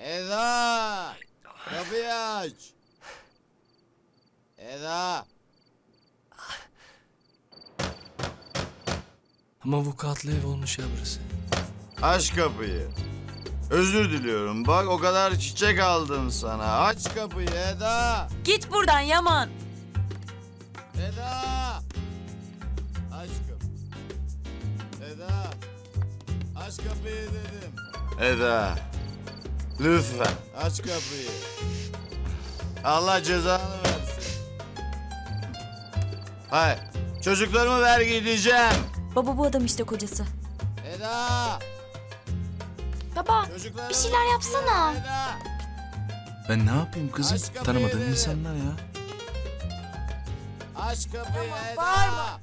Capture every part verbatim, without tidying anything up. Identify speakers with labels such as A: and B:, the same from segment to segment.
A: Eda! Kapıyı aç! Eda!
B: Ama avukatlı ev olmuş ya burası.
A: Aç kapıyı. Özür diliyorum. Bak o kadar çiçek aldım sana. Aç kapıyı Eda!
C: Git buradan Yaman.
A: Eda! Aç kapıyı. Eda! Aç kapıyı dedim. Eda! Lütfen aç kapıyı. Allah cezanı versin. Hayır. Çocuklarımı ver gideceğim.
C: Baba bu adam işte kocası.
A: Eda!
D: Baba
A: Çocuklarımı
D: bir şeyler yapsana.
A: Eda!
B: Ben ne yapayım kızım?
A: Aç kapıyı
B: Tanımadığım
A: dedim.
B: insanlar ya.
A: Aç kapıyı Eda!
C: bağırma.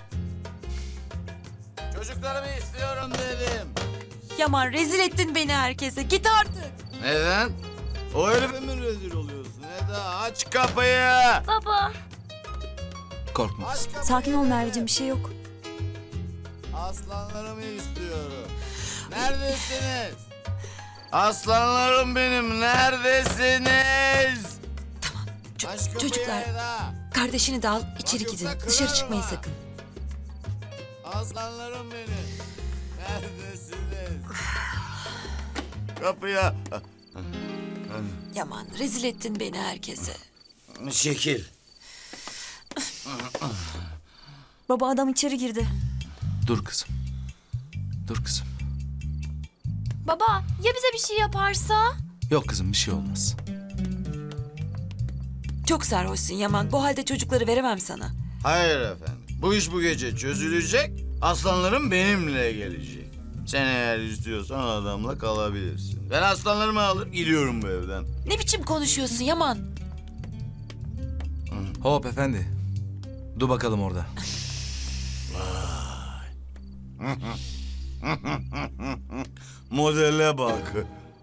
A: Çocuklarımı istiyorum dedim.
C: Yaman rezil ettin beni herkese. Git artık.
A: Neden? O herife mi rezil oluyorsun Eda? Aç kapıyı!
D: Baba.
B: Korkma
A: Aç
B: kızım.
A: kapıyı
C: Sakin ol
A: dedim.
C: Merveciğim, bir şey yok.
A: Aslanlarımı istiyorum. Neredesiniz? Aslanlarım benim, neredesiniz?
C: Ç-
A: Aç kapıyı
C: çocuklar
A: Eda.
C: kardeşini de al içeri
A: Bak
C: gidin.
A: yoksa
C: Dışarı
A: kırarım
C: çıkmayın
A: ha.
C: sakın.
A: Aslanlarım benim. Neredesiniz? Kapıya.
C: Yaman rezil ettin beni herkese.
A: Şekil.
C: Baba adam içeri girdi.
B: Dur kızım. Dur kızım.
D: Baba ya bize bir şey yaparsa?
B: Yok kızım bir şey olmaz.
C: Çok sarhoşsun Yaman. Bu halde çocukları veremem sana.
A: Hayır efendim. Bu iş bu gece çözülecek. Aslanlarım benimle gelecek. Sen eğer istiyorsan o adamla kalabilirsin. Ben aslanlarımı alıp gidiyorum bu evden.
C: Ne biçim konuşuyorsun Yaman?
B: Hop efendi. Dur bakalım orada.
A: Modele bak.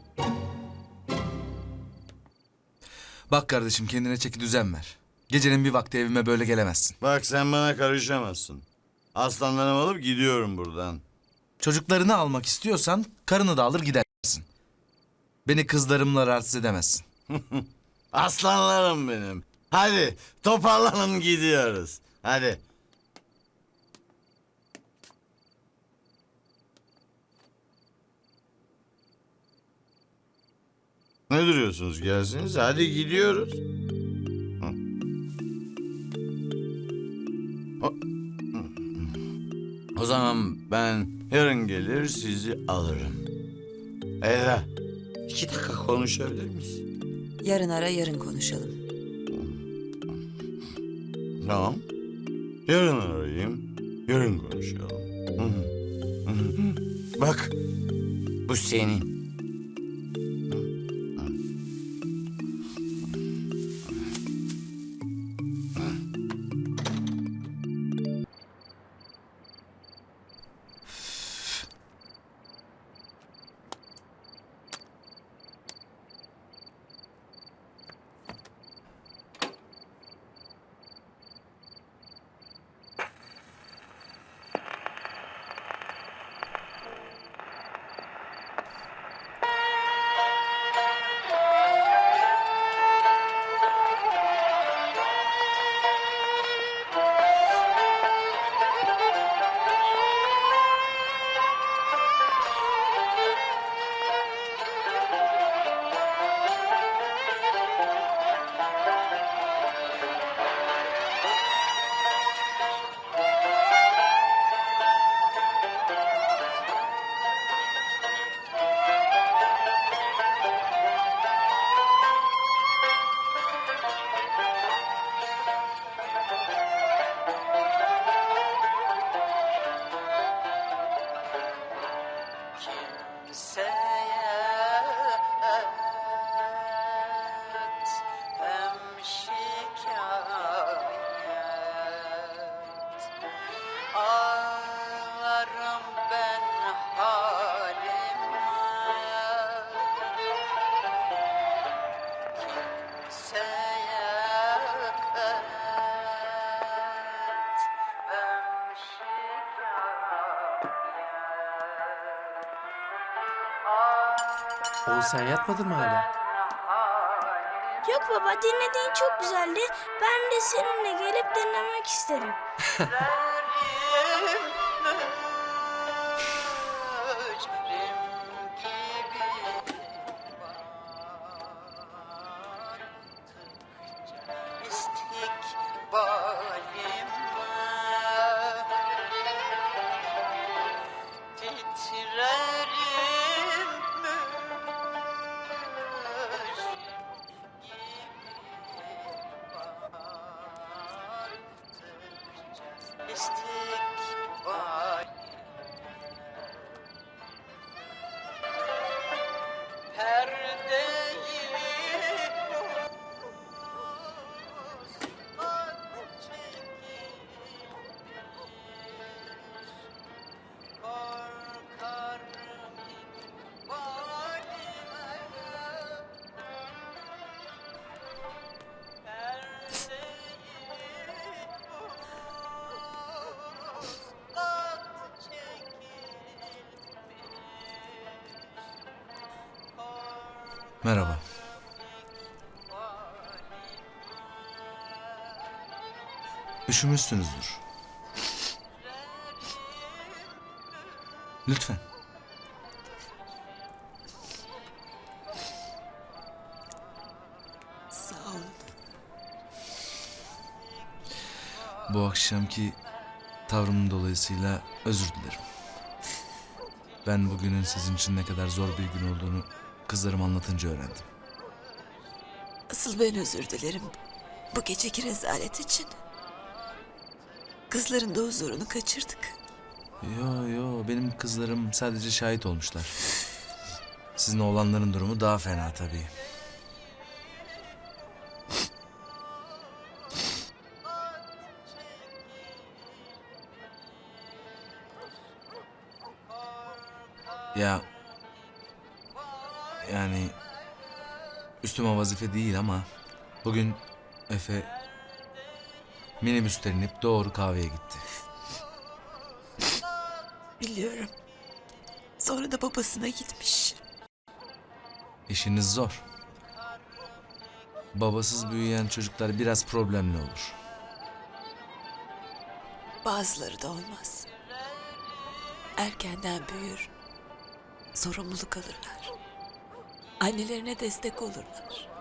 B: Bak kardeşim kendine çeki düzen ver. Gecenin bir vakti evime böyle gelemezsin.
A: Bak sen bana karışamazsın. Aslanlarımı alıp gidiyorum buradan.
B: Çocuklarını almak istiyorsan karını da alır gidersin. Beni kızlarımla rahatsız edemezsin.
A: Aslanlarım benim. Hadi toparlanın gidiyoruz. Hadi. Ne duruyorsunuz? Gelsiniz. Hadi gidiyoruz. Hı. O, o zaman ben yarın gelir sizi alırım. Eda, iki dakika konuşabilir miyiz?
C: Yarın ara yarın konuşalım.
A: Tamam. Yarın arayayım. Yarın konuşalım. Hı hı. Hı hı. Bak, bu senin.
E: Oğlum sen yatmadın mı hala?
F: Yok baba, dinlediğin çok güzeldi. Ben de seninle gelip dinlemek isterim.
B: Merhaba. Üşümüşsünüzdür. Lütfen.
C: Sağ olun.
B: Bu akşamki tavrımın dolayısıyla özür dilerim. Ben bugünün sizin için ne kadar zor bir gün olduğunu kızlarım anlatınca öğrendim.
C: Asıl ben özür dilerim. Bu geceki rezalet için. Kızların da huzurunu kaçırdık.
B: Yo yo benim kızlarım sadece şahit olmuşlar. Sizin oğlanların durumu daha fena tabii. Ya yani üstüme vazife değil ama bugün Efe minibüsten inip doğru kahveye gitti.
C: Biliyorum. Sonra da babasına gitmiş.
B: İşiniz zor. Babasız büyüyen çocuklar biraz problemli olur.
C: Bazıları da olmaz. Erkenden büyür. Sorumluluk alırlar. Annelerine destek olurlar.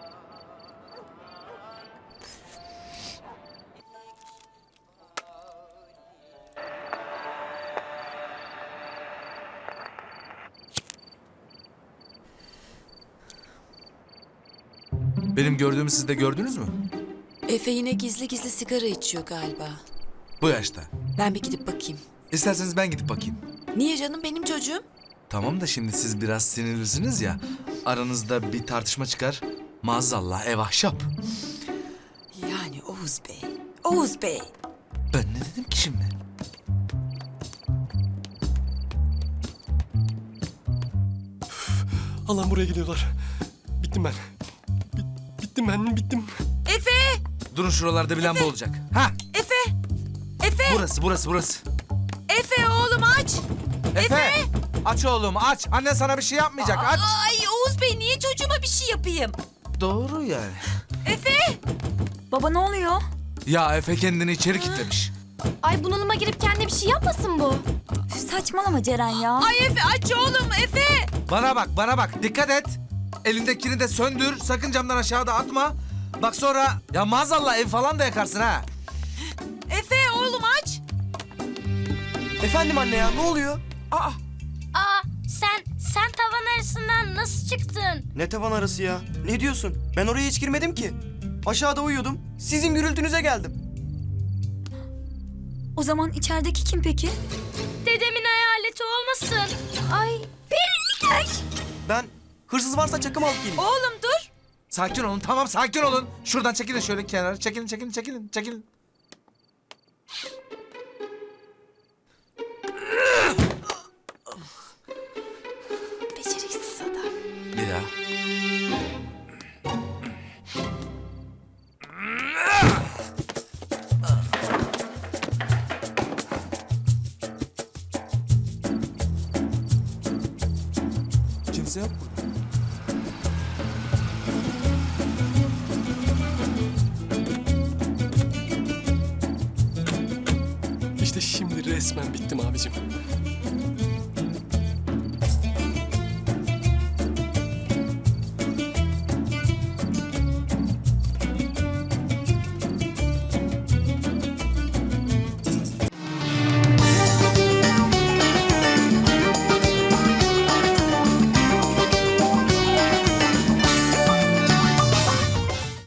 B: Benim gördüğümü siz de gördünüz mü?
C: Efe yine gizli gizli sigara içiyor galiba.
B: Bu yaşta.
C: Ben bir gidip bakayım.
B: İsterseniz ben gidip bakayım.
C: Niye canım, benim çocuğum?
B: Tamam da şimdi siz biraz sinirlisiniz ya. Aranızda bir tartışma çıkar. Maazallah ev ahşap.
C: Yani Oğuz Bey. Oğuz Bey.
B: Ben ne dedim ki şimdi?
E: Allah'ım buraya geliyorlar. Bittim ben. Bit- bittim ben, bittim.
C: Efe!
B: Durun şuralarda bir lamba olacak. Ha,
C: Efe! Efe!
B: burası burası burası.
C: Efe oğlum aç!
B: Efe! Aç oğlum aç. Annen sana bir şey yapmayacak aç.
C: Ay Oğuz Bey, niye çocuğuma bir şey yapayım?
B: Doğru yani.
C: Efe!
D: Baba ne oluyor?
B: Ya Efe kendini içeri kilitlemiş.
D: Ay bunalıma girip kendine bir şey yapmasın bu. Üf, saçmalama Ceren ya.
C: Ay Efe aç oğlum, Efe!
B: Bana bak bana bak dikkat et. Elindekini de söndür. Sakın camdan aşağıda atma. Bak sonra ya maazallah ev falan da yakarsın ha.
C: Efe oğlum aç!
E: Efendim anne ya, ne oluyor?
F: Aa, sen sen tavan arasından nasıl çıktın?
G: Ne tavan arası ya? Ne diyorsun? Ben oraya hiç girmedim ki. Aşağıda uyuyordum. Sizin gürültünüze geldim.
D: O zaman içerideki kim peki?
F: Dedemin hayaleti olmasın. Ay, Periliçer.
G: Ben hırsız varsa çakım alıp geleyim.
C: Oğlum dur!
B: Sakin olun tamam sakin olun. Şuradan çekilin şöyle kenara. Çekilin çekilin çekilin çekilin.
C: Beceriksiz adam.
B: Bir daha.
E: Kimse yok mu? İşte şimdi resmen bittim abicim.